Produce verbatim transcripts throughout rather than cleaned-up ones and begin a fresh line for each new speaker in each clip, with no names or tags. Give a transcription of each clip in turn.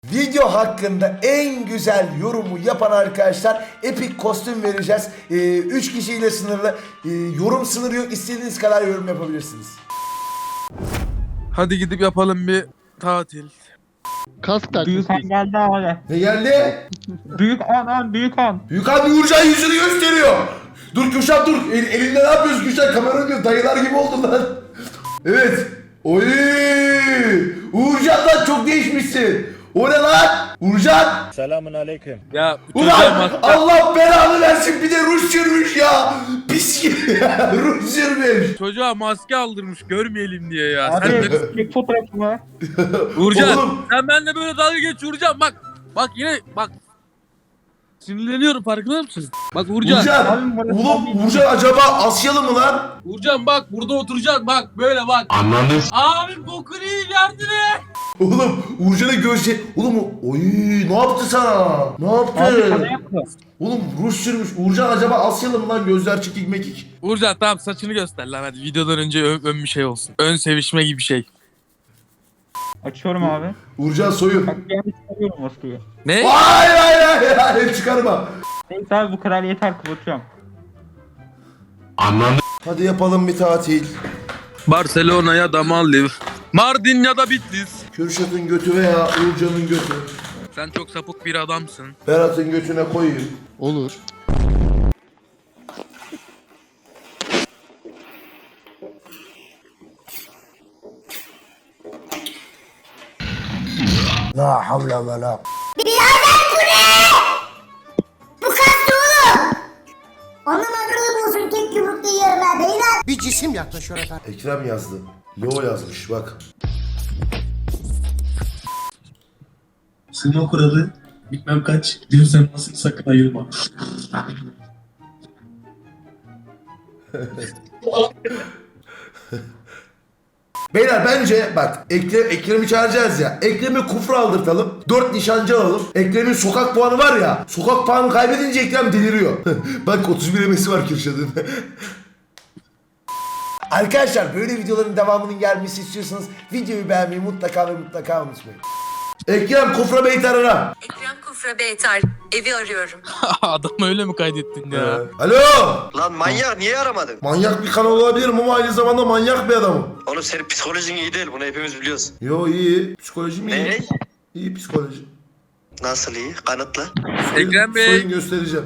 Video hakkında en güzel yorumu yapan arkadaşlar epik kostüm vereceğiz. üç ee, kişiyle sınırlı. Ee, yorum sınırı yok. İstediğiniz kadar yorum yapabilirsiniz.
Hadi gidip yapalım bir tatil.
Kask tak.
Büyük Han geldi abi.
Ne geldi?
Büyük Han han büyük Han.
Büyük abi Uğurcan yüzünü gösteriyor. Dur Kürşat dur. El, elinde ne yapıyorsun Kürşat? Kamera diyor. Dayılar gibi oldun lan. Evet. Oy! Uğurcan'dan çok değişmişsin. O ne lan? Uğurcan!
Selamun aleyküm.
Ya
Ulan Allah belanı versin, bir de ruj sürmüş ya. Pis gibi ya. Ruj sürmüş.
çocuğa maske aldırmış görmeyelim diye ya.
Abi
Sen de
ilk fotoğrafımı.
Uğurcan,
Oğlum.
sen benimle böyle dalga geç Uğurcan, bak. Bak yine bak. Sinirleniyorum, farkında mısın? Bak Uğurcan.
Uğurcan. Oğlum Uğurcan acaba Asyalı mı lan?
Uğurcan bak, burada oturacaksın, bak böyle bak. Anladın. Abi bokunu yiyeyim, yardım et.
Oğlum Uğurcan'a göğsü... Oğlum oy ne yaptı sana? Ne
Abi sana
yaptı?
yaptı.
Oğlum ruj sürmüş. Uğurcan acaba Asyalı mı lan? Gözler çekik mekik.
Uğurcan tamam, saçını göster lan hadi, videodan önce ön, ön bir şey olsun. Ön sevişme gibi bir şey.
Açıyorum abi.
Uğurcan soyun.
Bak yani çıkarıyorum maskeyi.
Ne?
Hayır hayır hayır hayır çıkarma.
Neyse abi bu kadar yeter, kapatıyorum.
Hadi yapalım bir tatil.
Barcelona ya da Maldiv. Mardin ya da Bitlis.
Kürşat'ın götü veya Uğurcan'ın götü.
Sen çok sapık bir adamsın.
Berat'ın götüne koyayım.
Olur.
La havle ve la.
Onun akıllı olsun, tek yumrukta yiyorum ha beyler.
Bir cisim yaklaşıyor efendim.
Ekrem yazdı. Lo yazmış bak.
Sığma kuralı bilmem kaç diyorsan nasıl sakın ayırma.
Beyler bence bak Ekrem, Ekrem'i çağıracağız ya. Ekrem'i kufra aldırtalım. Dört nişancı alalım. Ekrem'in sokak puanı var ya. Sokak puanı kaybedince Ekrem deliriyor. Bak otuz bir emesi var Kürşat'ın. Arkadaşlar böyle videoların devamının gelmesi istiyorsanız videoyu beğenmeyi mutlaka ve mutlaka unutmayın. Ekrem Kufra Beytar'a.
Ekrem Kufra Beytar, evi arıyorum.
Adam öyle mi kaydettin ya?
Alo.
Lan manyak niye aramadın?
Manyak bir kanal olabilirim ama aynı zamanda manyak bir adamım.
Oğlum senin psikolojin iyi değil, bunu hepimiz biliyoruz.
Yo iyi. Psikolojim iyi.
Ne?
İyi psikoloji.
Nasıl iyi? Kanıtla.
Ekrem Bey.
Soyun göstereceğim.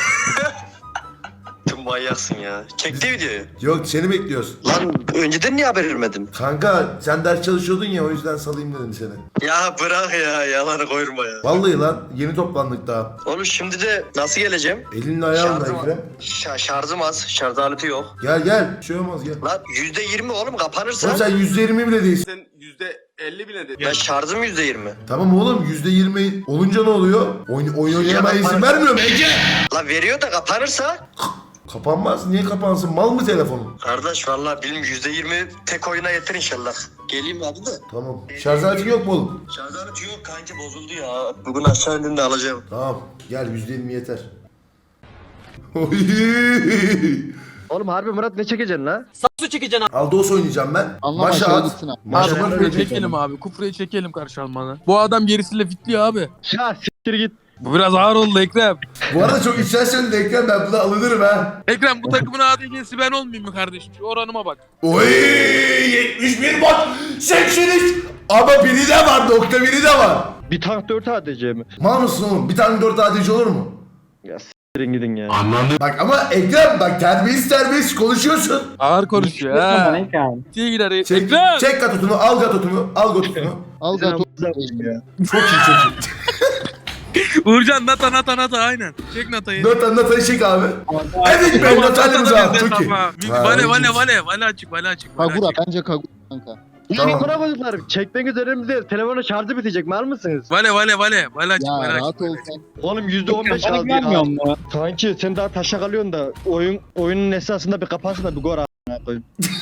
Tüm manyaksın ya. Çekti videoyu.
Yok seni bekliyoruz.
Lan önceden niye haber vermedin?
Kanka sen ders çalışıyordun ya o yüzden salayım dedim seni.
Ya bırak ya, yalanı koyurma ya.
Vallahi lan yeni toplandık daha.
Oğlum şimdi de nasıl geleceğim?
Elinle ayağınla
Şarjım,
Ekrem.
Şa- şarjım az, şarj aleti yok.
Gel gel bir şey olmaz gel.
Lan yüzde yirmi oğlum kapanırsa.
Oğlum sen yüzde yirmi bile değilsin.
Sen yüzde elli bile dedin.
Ya şarjım yüzde yirmi.
Tamam oğlum yüzde yirmi olunca ne oluyor? Oyun, oyun oynamaya izin vermiyor mu Ece?
Lan veriyor da kapanırsa.
Kapanmaz. Niye kapansın? Mal mı telefonun?
Kardeş vallahi bilmiyorum, yüzde yirmi tek oyuna yeter inşallah. Geleyim abi de.
Tamam. Şarj aleti yok mu oğlum?
Şarj aleti yok kanka, bozuldu ya. Bugün aşağı indiğimde alacağım.
Tamam. Gel yüzde yirmi yeter. Oy.
Oğlum harbi Murat ne çekeceksin la?
Aldos oynayacağım ben.
Anlama,
Maşa
şöyle
at.
gitsin abi.
Maşa
Abi
at.
kufrayı çekelim abi. Kufrayı çekelim karşı Alman'a. Bu adam gerisiyle fitliyor abi.
Ya siktir git.
Bu biraz ağır oldu Ekrem.
Bu arada çok içten söyledi Ekrem, ben buna alınırım ha.
Ekrem bu takımın A D C'si ben olmayayım mı kardeşim? Şu oranıma bak.
Oy yetmiş bir bot seksen üç ama biri de var, nokta biri de var.
Bir tank dört A D C mi?
Mal mısın oğlum? Bir tane dört A D C olur mu?
Ya s**tirin gidin ya.
Bak ama Ekrem bak terbiyesiz terbiyesiz konuşuyorsun.
Ağır konuşuyor
Bana
ha.
ne kaldı?
Diye gider.
Çek,
Ekrem!
çek gatotunu, al gatotunu, al gatotunu.
Al gato.
Çok iyi çok iyi.
Uğurcan nata nata nata aynen. Çek natayı.
Nata, Nata'yı çek abi. Evet be Nata'yı al, çok iyi. Ha,
Vale vale vale vale açık vale açık. Vale
Kagura
açık.
bence Kagura kanka.
Tamam.
Tamam. Bozuklar. Çekmek üzerimizde. Telefonun şarjı bitecek. Mal mısınız?
Vale vale vale vale açık
Ya
vale açık.
rahat ol sen.
Oğlum yüzde on beş
Bana
aldı ya.
güvenmiyor mu?
Kanki sen daha taşa kalıyorsun da oyun oyunun esasında bir kapansın da bir gol a**ına koyayım.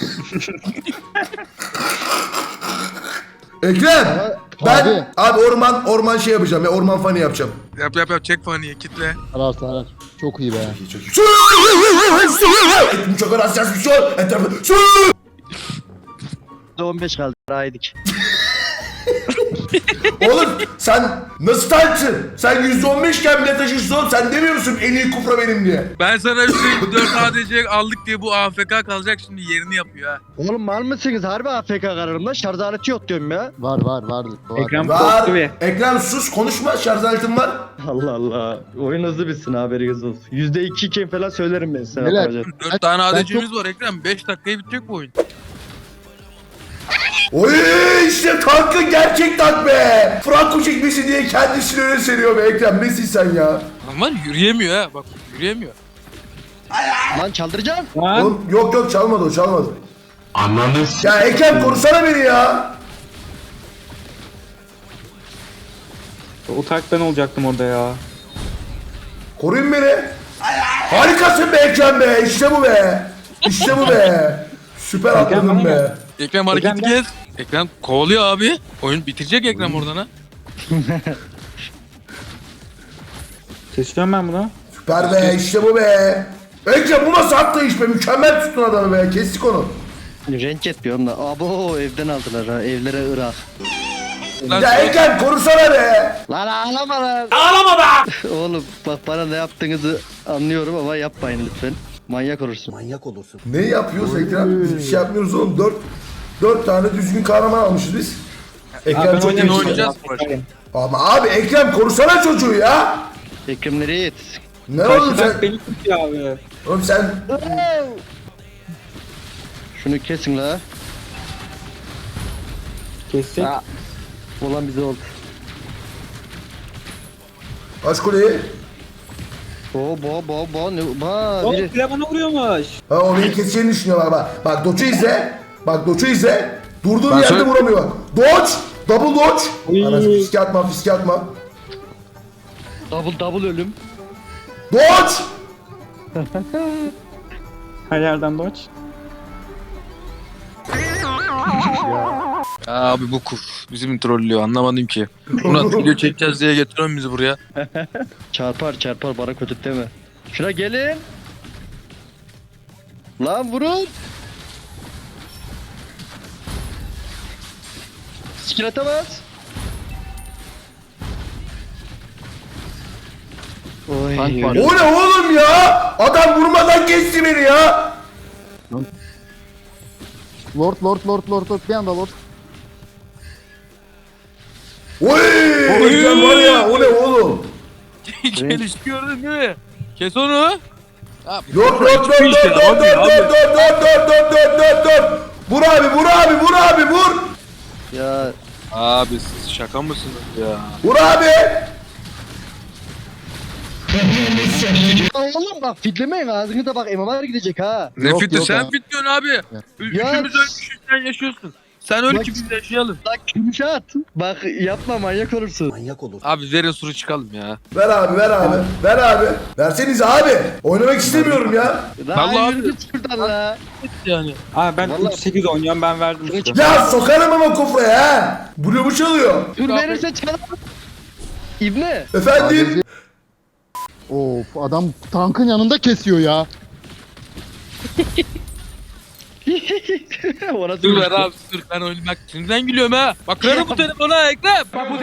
Ekrem ben
Abi.
abi orman orman şey yapacağım ya, orman fani yapacağım.
Yap yap yap çek faniye kitle.
Arar arar. Çok iyi be.
Çok iyi. Etimi çok arasacağız bir şey. Etrafı.
yüzde on beş kaldı. Raydik.
Oğlum sen nasıl tankçın? Sen yüzde on beş iken bile taşırsın oğlum. Sen demiyor musun en iyi kufra benim diye?
Ben sana şu dört A D C aldık diye bu A F K kalacak şimdi yerini yapıyor ha.
Oğlum mal mısınız? Harbi A F K kararımda şarj aleti yok diyorum ya.
Var var var. var.
Ekran
Var.
korktu bir.
Ekrem sus konuşma, şarj aletim var.
Allah Allah. Oyun hızlı bitsin haberiniz olsun. yüzde iki iken falan söylerim ben sana.
Neler?
Hocam.
dört tane
ben
A D C'miz var Ekrem. beş dakikaya bitecek bu oyun.
Oy işte tankın gerçek tank be. Franco çekmesi diye kendisini öyle seriyor be Ekrem. Nesin sen ya?
Ama yürüyemiyor ha. Bak yürüyemiyor.
Lan çaldıracağım.
Lan.
Oğlum yok yok çalmadı o çalmadı. Anladın. Ya Ekrem korusana beni ya.
Utaktan olacaktım orada ya.
Koruyun beni. Harikasın be Ekrem be. İşte bu be. İşte bu be. Süper atladın be.
Ekrem hareketi
Ekrem,
kes. Ekrem kovalıyor abi. Oyun bitirecek Ekrem oradan ha.
Kesiyorum ben bunu.
Süper be işte bu be. Ekrem bu nasıl atlayış be. Mükemmel tuttun adamı be. Kestik onu.
Renk etmiyorum da. Abo evden aldılar ha. Evlere Irak.
Lan
Ya Ekrem korusana be.
Lan ağlama lan. Ağlama be. Oğlum bak bana ne yaptığınızı anlıyorum ama yapmayın lütfen. Manyak olursun.
Ne yapıyoruz Ekrem? Biz bir şey yapmıyoruz oğlum. Dört, dört tane düzgün kahraman almışız biz. Ekrem çok
oynayayım,
iyi.
oynayacağız.
Ama abi Ekrem korusana çocuğu ya.
Ekrem nereye yetişsin?
Ne oldu sen?
beni tutuyor abi.
Oğlum sen
Şunu kesin la.
Kessek.
Ha. Olan bize oldu.
aç kuleyi.
Bo bo bo bo ne ba
Oğlum
biri.
bile bana vuruyormuş.
Ha o beni keseceğini düşünüyorlar bak. Bak Doç'u izle. Bak Doç'u izle. Durduğum
Ben
yerde
söyle-
vuramıyor. Doç! Double Doç!
Oy.
Anasını fiske atma fiske atma.
Double double ölüm.
Doç!
Her yerden doç.
Abi bu kuf bizim trollüyor anlamadım ki. Murat video çekeceğiz diye getiriyorsun bizi buraya.
Çarpar çarpar bana kötü deme. Şuna gelin. Lan vurun. Skill atamaz. Oy.
Tank var.
O ne oğlum ya? Adam vurmadan kesti beni ya.
Lord Lord Lord Lord Lord bir anda Lord.
Oy! Ekrem var ya o ne oğlum?
Geliş gördün değil mi? Kes onu. Abi,
Yok yok yok
Hiçbir
yok
işe
yok yok
yaramıyor
yok
abi.
yok yok yok yok yok yok. Vur abi vur abi vur abi vur.
Ya
Abi siz şaka mısınız ya?
Vur abi.
oğlum bak fitlemeyin ağzını da bak M M R gidecek ha.
Ne
Yok,
fiti
yok
sen
abi.
fit diyorsun abi.
Ya-
Üçümüz ölmüşüz sen yaşıyorsun. Sen öl
Bak-
ki biz yaşayalım.
Bak yumuşat. Bak yapma manyak olursun.
Abi verin suru çıkalım ya.
Ver abi ver abi ver abi. Verseniz abi. Oynamak istemiyorum ya.
Lan
Vallahi
yürü git şuradan la.
Yani.
Abi ben
Vallahi-
üç sekiz oynuyorum ben verdim
Şunu
işte.
çık-
Ya sokarım ama kufraya ha. Bloğumu çalıyor.
Dur verirse çalar. İbne.
Efendim.
Of adam tankın yanında kesiyor ya.
Ona
Dur ver abi dur ben oynamak şimdiden gülüyorum ha. Bak kırarım bu telefonu ha Ekrem.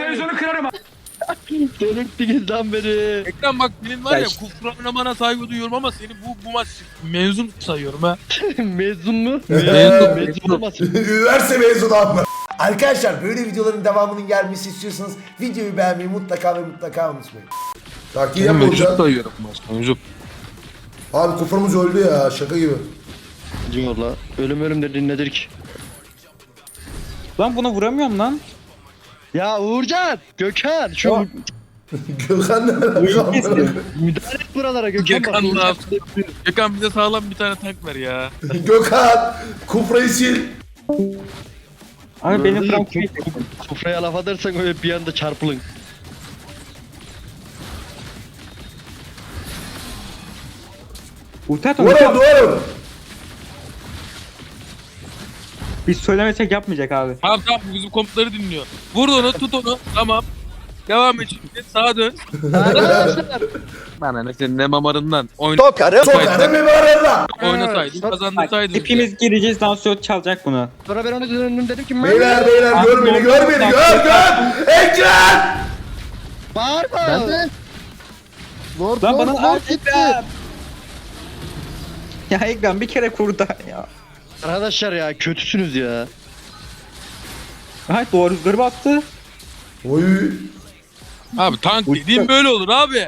Delirttiniz lan beni.
Ekrem bak benim var ya
Ya
kufra oynamana saygı duyuyorum ama seni bu bu maç mezun sayıyorum ha.
Mezun mu?
Mezun.
Mezun olmasın.
Üniversite mezunu abi. Arkadaşlar böyle videoların devamının gelmesi istiyorsanız videoyu beğenmeyi mutlaka ve mutlaka unutmayın. Takip
Seni
yapma
mevcut
hocam.
sayıyorum maç mevcut.
Abi kuframız öldü ya şaka gibi.
Diyor la. Ölüm ölüm dediğin nedir ki?
Lan buna vuramıyorum lan.
Ya Uğurcan, Gökhan şu
Ya.
Gökhan ne alaka?
müdahale et buralara Gökhan.
Gökhan
bak.
ne yaptı? Gökhan bize sağlam bir tane tank ver ya.
Gökhan kufrayı sil.
Abi benim
Böyle
Frank
kuf- Kufraya laf atarsan öyle bir anda çarpılın.
ulti at
Doğru
onu. ulti at.
doğru.
Biz söylemesek yapmayacak abi.
Tamam tamam bu bizim komutları dinliyor. Vur onu tut onu tamam. Devam et şimdi. Sağa dön.
Arkadaşlar.
Bana ne senin ne mamarından. Oyna.
Sokarım.
Sokarım bir arada.
Oynasaydın
Bak,
kazandırsaydın.
hepimiz gireceğiz dansöz çalacak bunu.
Sonra ben onu döndüm dedim ki
Beyler beyler gör beni gör beni gör gör. Ekrem.
Bağırma.
Ben de. Lord
Lan
Lord
bana
Lord
al
gitti.
Ekrem. Ya Ekrem bir kere kurda ya.
Arkadaşlar ya kötüsünüz ya.
Hayır doğru rüzgarı bastı.
Oy.
Abi tank dediğim böyle olur abi.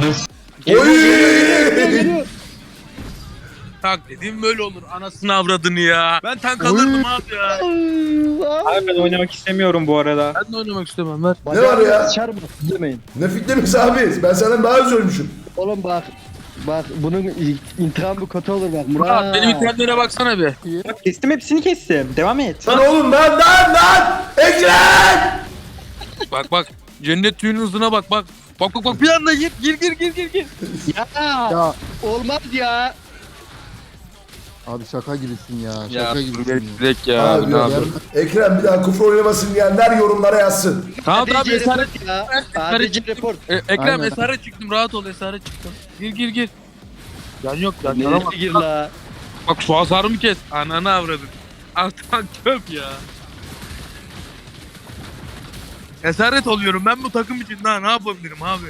Oy.
Tank dediğim böyle olur. Anasını avradını ya. Ben tank alırdım abi ya.
Abi ben oynamak istemiyorum bu arada.
Ben de oynamak istemem ver.
Ne var ya?
Çarpma demeyin.
Ne fitlemiş abi? Ben senden daha az ölmüşüm.
Oğlum bak. Bak bunun intikamı kötü olur bak. Murat.
Murat benim internetlere baksana bir.
Bak kestim hepsini kestim. Devam et.
Lan oğlum lan lan lan. Ekrem.
Bak bak. Cennet tüyünün hızına bak bak. Bak bak bak bir anda gir gir gir gir gir gir.
Ya.
Ya
Olmaz ya.
abi şaka gibisin ya.
Ya
Şaka gibisin ya.
direkt ya.
Abi,
Abi, ne
ya.
yapıyorsun?
Ekrem bir daha kufur oynamasın diyenler yorumlara yazsın.
Tamam tamam
A D C
esaret.
report ya.
Esaret
A D C
çıktım.
report.
E, Ekrem
Aynen.
esaret çıktım rahat ol esaret çıktım. Gir gir gir. Can yok can
Nereye
yaramaz.
gir la?
Bak şu hasarımı kes. Ananı avradın. Artık çöp ya. Esaret oluyorum ben bu takım için daha ne yapabilirim abi?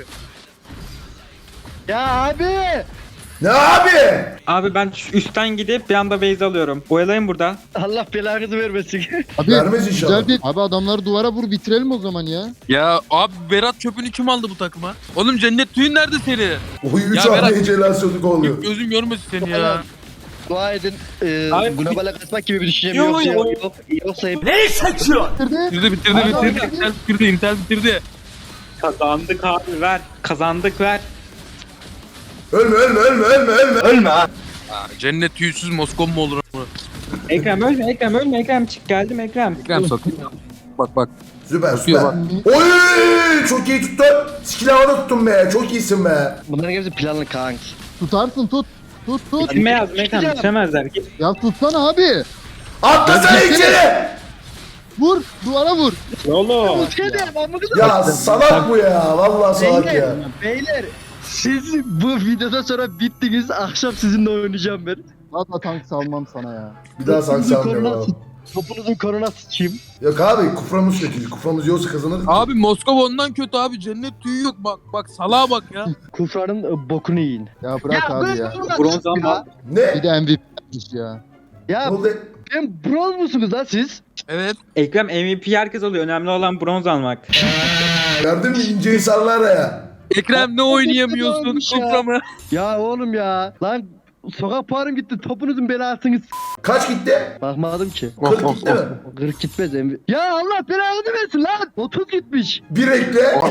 Ya abi.
Ne abi?
Abi ben şu üstten gidip bir anda base alıyorum. Oyalayın burada.
Allah belanızı vermesin.
Abi
Vermez inşallah.
güzel bir... Abi adamları duvara vur bitirelim o zaman ya.
Ya abi Berat çöpünü kim aldı bu takıma? Oğlum cennet tüyün nerede senin?
Oy üç
Ya Berat-
hamle hecelasyonluk oluyor.
Gözüm görmesin seni ya.
Dua edin. E,
Abi-
globale kaçmak gibi bir düşüncem
Yok,
yoksa
yok.
yok. Yoksa hep
Bitirdi.
Bitirdi bitirdi bitirdi. Intel bitirdi Intel bitirdi.
Kazandık abi ver. Kazandık ver.
Ölme ölme ölme ölme ölme. Ölme ha.
Aa, cennet tüysüz Moskov mu olur ama?
Ekrem ölme Ekrem ölme Ekrem çık geldim Ekrem.
Ekrem satayım. Bak bak.
Süper
Tutuyor
süper. Oy çok iyi tuttun. Skill havada tuttun be. Çok iyisin be.
bunların hepsi planlı kank.
Tutarsın tut. Tut tut.
Bitirme yazdım Ekrem bitiremezler. Git.
Ya tutsana abi.
Atlasana
Ya,
içeri.
Vur. Duvara vur.
Oğlum.
Ya salak bu ya. Vallahi salak ya.
Beyler, beyler siz bu videodan sonra bittiniz. Akşam sizinle oynayacağım ben.
Valla tank salmam sana ya.
Bir daha sanki
Topunuzun
sanmıyorum
koruna,
abi.
topunuzun koruna sıçayım.
Yok abi kuframız kötü. Kuframız yoksa kazanırdık.
Abi Moskov ondan kötü abi. Cennet tüyü yok. Bak bak salağa bak ya.
Kufranın e, bokunu yiyin.
Ya bırak abi ya.
Bronz ama.
Ne?
Bir de M V P yapmış ya.
Ne
Ya
oldu?
ben bronz musunuz lan siz?
Evet.
Ekrem M V P herkes alıyor. Önemli olan bronz almak.
Gördün mü ince insanlar ya.
Ekrem ne oynayamıyorsun
olmuş ya.
Kuframı?
Ya oğlum ya. Lan sokak puanım gitti. Topunuzun belasınız.
Kaç gitti?
Bakmadım ki.
kırk gitti mi?
kırk gitmez emri. Ya Allah belanı versin lan. otuz gitmiş.
Bir ekle.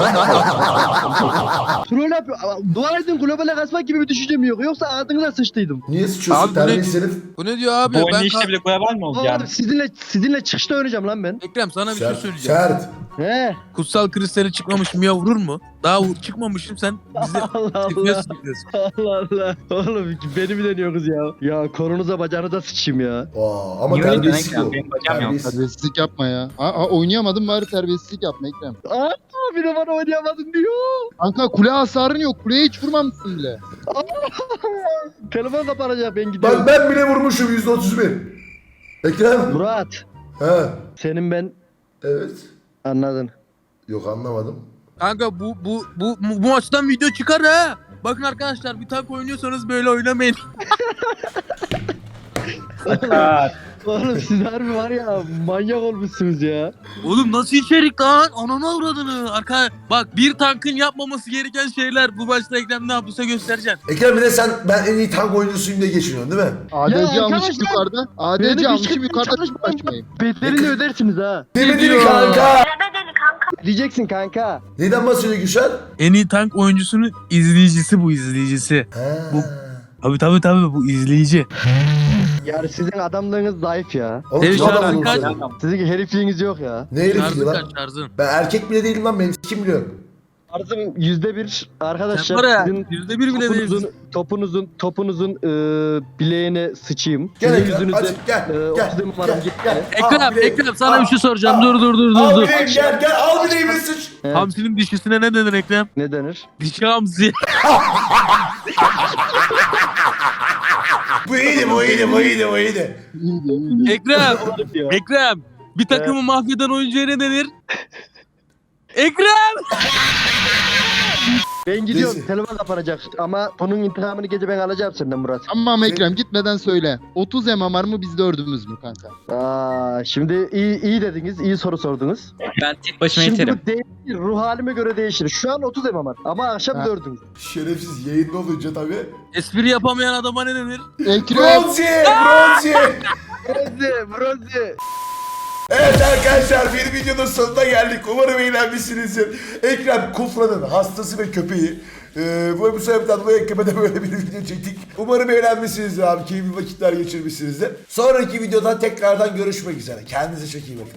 Troll yapıyor. Dua edin globale kaçmak gibi bir düşüncem yok. Yoksa ağzınıza sıçtıydım.
Niye sıçıyorsun
Abi bu ne-
terbiyesiz herif?
Bu ne diyor abi?
Bu
Ben
oynayışta
ka-
bile global mi oldu
Oğlum
yani?
sizinle sizinle çıkışta oynayacağım lan ben.
Ekrem sana bir şey
Sert.
söyleyeceğim.
Sert.
He.
Kutsal kristali çıkmamış Mia vurur mu? Daha vur- çıkmamışım sen bize
Allah Allah.
F P S yapıyorsun.
Allah Allah. Oğlum beni mi deniyorsunuz ya? Ya kolunuza bacağınıza sıçayım ya.
Aa, ama
Niye öyle
terbiyesizlik
diyorsun
bu.
Ekrem? Benim bacağım yok.
Terbiyesiz.
Terbiyesizlik yapma ya. Aa, aa, oynayamadım bari terbiyesizlik yapma Ekrem.
Aa bir de bana oynayamadın diyor.
Kanka kule hasarın yok. Kuleye hiç vurmamışsın bile.
Telefon kapanacak ben gidiyorum.
Bak ben bile vurmuşum yüzde otuz bir. Ekrem.
Murat.
He.
Senin ben
Evet.
anladın.
Yok anlamadım.
Kanka bu bu bu bu maçtan video çıkar ha. Bakın arkadaşlar bir tank oynuyorsanız böyle oynamayın.
Oğlum siz harbi var ya manyak olmuşsunuz ya.
Oğlum nasıl içerik lan? Ananı avradını. Arka bak bir tankın yapmaması gereken şeyler bu maçta Ekrem ne yaptıysa göstereceğim.
Ekrem bir de sen ben en iyi tank oyuncusuyum diye geçiniyorsun değil mi?
A D C almışım
arkadaşlar,
yukarıda. A D
benim
C almışım
hiç
yukarıda
çalışmam.
kaçmayayım.
Bedelini ödersiniz ha.
Demedin mi kanka?
Diyeceksin kanka.
Neyden bahsediyor Gülşen?
En iyi tank oyuncusunun izleyicisi bu izleyicisi.
He.
Bu- Tabii tabii tabii bu izleyici.
Yani sizin adamlığınız zayıf ya.
Oğlum
Senin
kim adam
şarkın
bunu
kaç?
söylüyor?
Sizin herifliğiniz yok ya.
Ne herifliği
Şarjın
lan?
kaç şarjın?
Ben erkek bile değilim lan ben kim biliyorum.
Arzım yüzde bir. Arkadaşlar
Sen var ya,
sizin
yüzde bir bile
topunuzun,
değilsin.
topunuzun, topunuzun e, bileğine sıçayım.
Gel
Sizin
Ekrem,
yüzünüzden,
hadi gel,
e,
gel,
otuz numaram
gel,
gitti.
gel.
Ekrem,
Al bileğimi,
Ekrem sana
al,
bir şey soracağım.
al.
Dur dur dur dur
Al
dur.
bileğimi, gel gel al bileğimi sıç.
Evet.
Hamsinin dişisine ne denir Ekrem?
Ne denir?
Dişi hamsi.
Bu iyiydi bu iyiydi bu iyiydi bu iyiydi.
Ekrem, Ekrem. Bir takımı mahveden oyuncuya ne denir? Ekrem!
Ben gidiyorum.
Neyse.
Telefon kapanacak. Ama bunun intikamını gece ben alacağım senden Murat.
Tamam Ekrem gitmeden söyle. otuz M M R mı biz dördümüz mü kanka?
Aa, şimdi iyi, iyi dediniz. iyi soru sordunuz.
Ben tek başıma
Şimdi
yeterim.
bu değişir. Ruh halime göre değişir. Şu an otuz M M R. Ama akşam
Ha.
dördünüz.
Şerefsiz yayında olunca tabii.
Espri yapamayan adama ne denir?
Ekrem.
Bronzi! Bronzi!
Bronze, bronze.
Evet arkadaşlar bir videonun sonuna geldik. Umarım eğlenmişsinizdir. Ekrem Kufra'nın hastası ve köpeği. Ee, bu, bu sebepten dolayı Ekrem'e de böyle bir video çektik. Umarım eğlenmişsinizdir abi. Keyifli vakitler geçirmişsinizdir. Sonraki videoda tekrardan görüşmek üzere. Kendinize çok iyi bakın.